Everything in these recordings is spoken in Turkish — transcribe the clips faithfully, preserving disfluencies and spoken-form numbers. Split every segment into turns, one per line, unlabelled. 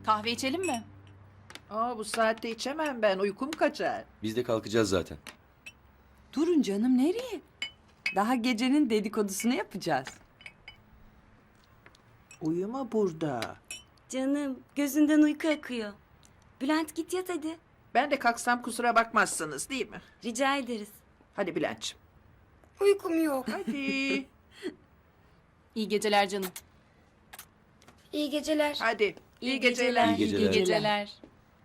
Kahve içelim mi?
Aa, bu saatte içemem ben. Uykum kaçar.
Biz de kalkacağız zaten.
Durun canım, nereye? Daha gecenin dedikodusunu yapacağız.
Uyuma burada.
Canım gözünden uyku akıyor. Bülent git yat hadi.
Ben de kalksam kusura bakmazsınız değil mi?
Rica ederiz.
Hadi Bülent'ciğim.
Uykum yok.
Hadi.
İyi geceler canım.
İyi geceler.
Hadi.
İyi geceler.
İyi geceler.
İyi geceler.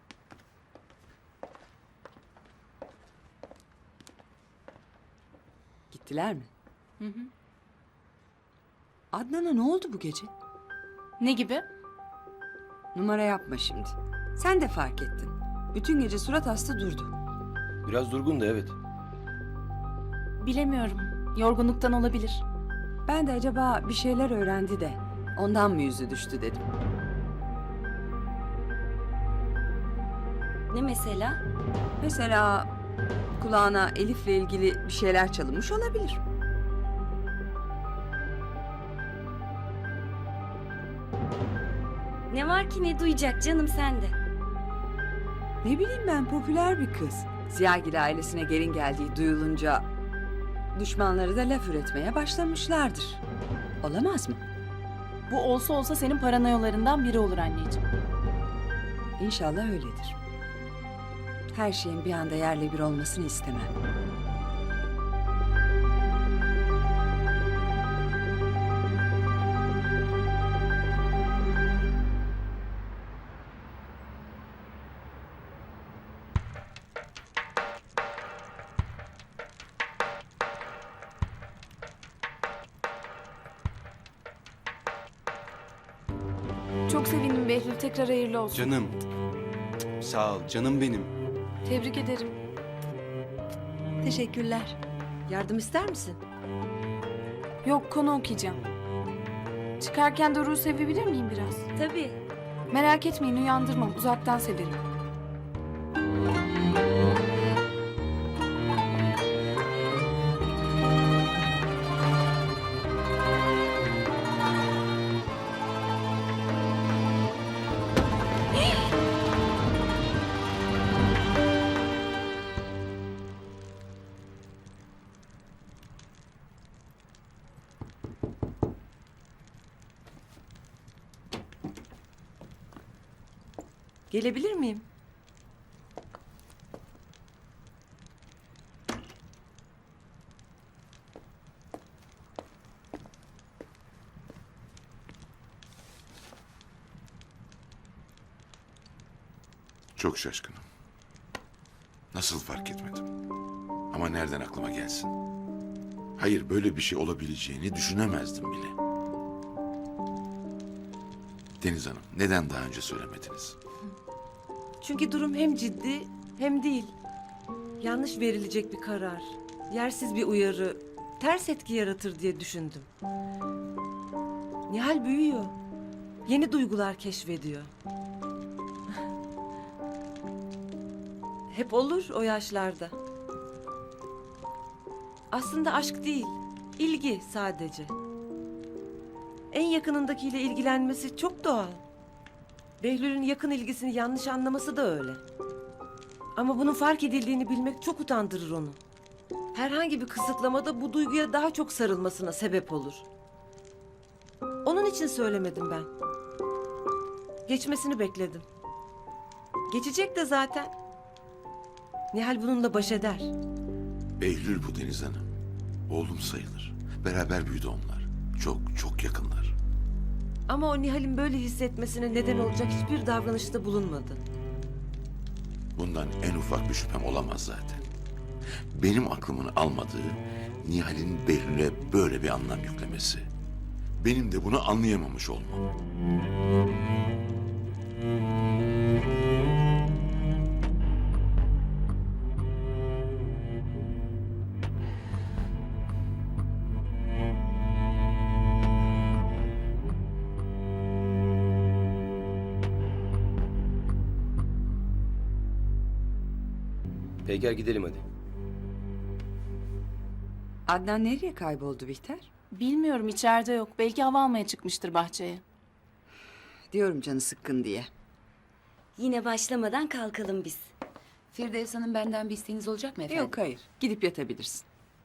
Gittiler mi?
Hı hı.
Adnan'a ne oldu bu gece?
Ne gibi?
Numara yapma şimdi. Sen de fark ettin. Bütün gece surat hasta durdu.
Biraz durgun da evet.
Bilemiyorum. Yorgunluktan olabilir.
Ben de acaba bir şeyler öğrendi de ondan mı yüzü düştü dedim.
Ne mesela?
Mesela kulağına Elif'le ilgili bir şeyler çalınmış olabilir.
Ne var ki ne duyacak canım sende?
Ne bileyim ben, popüler bir kız. Ziyagil ailesine gelin geldiği duyulunca düşmanları da laf üretmeye başlamışlardır. Olamaz mı?
Bu olsa olsa senin paranoyalarından biri olur anneciğim.
İnşallah öyledir. Her şeyin bir anda yerle bir olmasını istemem.
Çok sevindim Behlül. Tekrar hayırlı olsun.
Canım. Sağ ol canım benim.
Tebrik ederim.
Teşekkürler. Yardım ister misin?
Yok, konu okuyacağım. Çıkarken Doruk'u sevebilir miyim biraz?
Tabii.
Merak etmeyin, uyandırmam. Uzaktan severim.
Gelebilir miyim?
Çok şaşkınım. Nasıl fark etmedim? Ama nereden aklıma gelsin? Hayır, böyle bir şey olabileceğini düşünemezdim bile. Deniz Hanım, neden daha önce söylemediniz?
Çünkü durum hem ciddi hem değil. Yanlış verilecek bir karar, yersiz bir uyarı, ters etki yaratır diye düşündüm. Nihal büyüyor. Yeni duygular keşfediyor. Hep olur o yaşlarda. Aslında aşk değil, ilgi sadece. En yakınındakiyle ilgilenmesi çok doğal. Behlül'ün yakın ilgisini yanlış anlaması da öyle. Ama bunun fark edildiğini bilmek çok utandırır onu. Herhangi bir kısıtlamada bu duyguya daha çok sarılmasına sebep olur. Onun için söylemedim ben. Geçmesini bekledim. Geçecek de zaten. Nihal bununla baş eder.
Behlül bu Deniz Hanım. Oğlum sayılır. Beraber büyüdü onlar. Çok çok yakınlar.
Ama o Nihal'in böyle hissetmesine neden olacak hiçbir davranışta bulunmadı.
Bundan en ufak bir şüphem olamaz zaten. Benim aklımın almadığı Nihal'in Behlül'e böyle bir anlam yüklemesi. Benim de bunu anlayamamış olmam.
Peyker gidelim hadi.
Adnan nereye kayboldu Bihter?
Bilmiyorum, içeride yok. Belki hava almaya çıkmıştır bahçeye.
Diyorum canı sıkkın diye.
Yine başlamadan kalkalım biz.
Firdevs Hanım benden bir isteğiniz olacak mı efendim?
Yok hayır. Gidip yatabilirsin.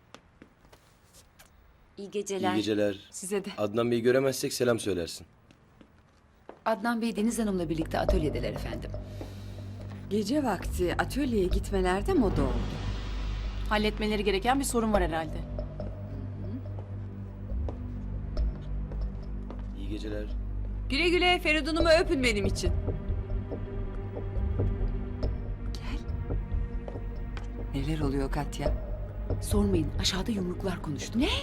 İyi geceler.
İyi geceler.
Size de.
Adnan Bey'i göremezsek selam söylersin.
Adnan Bey Deniz Hanım'la birlikte atölyedeler efendim.
Gece vakti atölyeye gitmelerde moda oldu.
Halletmeleri gereken bir sorun var herhalde.
İyi geceler.
Güle güle Feridun'umu öpün benim için. Gel. Neler oluyor Katya?
Sormayın, aşağıda yumruklar konuştu. Ne?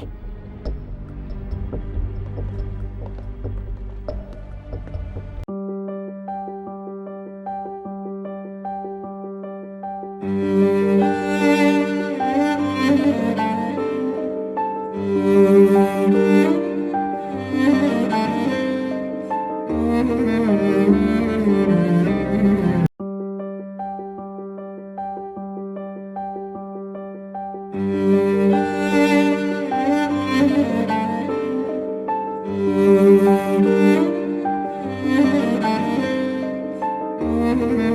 Müzik